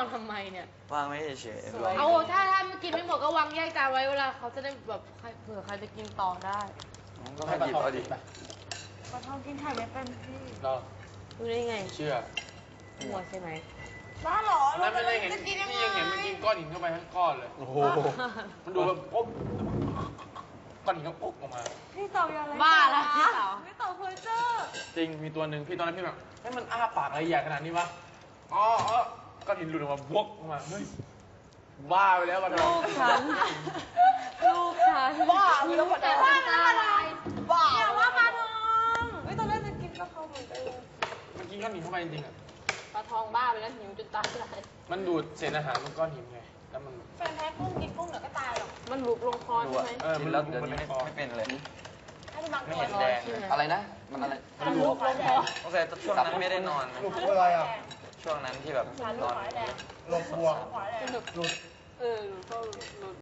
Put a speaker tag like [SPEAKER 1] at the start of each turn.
[SPEAKER 1] างทำไมเนี่ยว
[SPEAKER 2] างไว้เฉยๆ
[SPEAKER 1] เอาถ้ามันกินไม่หมดก็วางแยกจานไว้เวลาเขาจะได้แบบเผื่อใครจะกินต่อได้
[SPEAKER 2] ก็ให้หยิบเอาดิ
[SPEAKER 3] ปลาทองกินไข่ไม่เป็นพี่
[SPEAKER 4] เรา
[SPEAKER 1] รู้ได้ไง
[SPEAKER 4] เชื่อ
[SPEAKER 1] หัวใช่ไหม
[SPEAKER 3] บ้าเหรอ
[SPEAKER 4] นั่นไม่ได้เห็น
[SPEAKER 3] จะกินยังไง
[SPEAKER 4] นี่ยังเห็นมันกินก้อนหินเข้าไปทั้งก้อนเลย
[SPEAKER 2] โอ้โห
[SPEAKER 4] มันดูแบบปุ๊บก้อนหินก็ปุ๊บออกมา
[SPEAKER 3] พี่เต่าอย่าอะไร
[SPEAKER 1] บ้าละพี่เต๋า
[SPEAKER 3] พี่เต่าเพอร์เจอร์
[SPEAKER 4] จริง มีตัวหนึ่งพี่ตอนนั้นพี่แบบให้มันอ้าปากอะไรใหญ่ขนาดนี้วะ อ๋อก้อนหินหลุดออกมาบวกออกมา เฮ้ย บ้าไปแล้ววันนั้
[SPEAKER 1] ลู
[SPEAKER 4] น
[SPEAKER 1] กฉัน ลูกฉัน
[SPEAKER 3] บ้าพี่ต้อง
[SPEAKER 1] แต่
[SPEAKER 3] ว่า
[SPEAKER 1] ว่า
[SPEAKER 3] อะไร บ้า
[SPEAKER 1] อย่าว่าปลาทอง
[SPEAKER 3] ไม่ตอนแรกจะกินกะเพราเหมือนกันเลย
[SPEAKER 4] มันกินก้อนหินเข้าไปจริงๆอ่ะ
[SPEAKER 1] ปลาทองบ้าไปแล้วหิวจนตายเลย
[SPEAKER 4] มันดูดเศษอาหารบนก้อนหินไง แล้วมัน
[SPEAKER 3] แฟนแท้กุ้งกินกุ้งเดี๋ยวก็ตายหรอก
[SPEAKER 1] มันบุกลงคอ
[SPEAKER 2] ดู
[SPEAKER 1] ใช่
[SPEAKER 2] อ่ะ
[SPEAKER 1] ไหม
[SPEAKER 2] กินแล้วเดี๋ยวนี้ไม่เป็นเลย
[SPEAKER 3] ให้ดูบาง
[SPEAKER 2] ไม่
[SPEAKER 3] ตัว
[SPEAKER 2] เห็นแดงเลยอะไรนะ มันอะไร
[SPEAKER 1] มันบุกลงคอ
[SPEAKER 2] ตั้งแต่ช่วงนั้นไม่ได้นอน
[SPEAKER 5] หลุดอะไรอ่ะ
[SPEAKER 2] ช่วงนั้นที่แบบนอน
[SPEAKER 5] หลบบัว
[SPEAKER 3] หวายแดง
[SPEAKER 1] เออหนูก็หลุด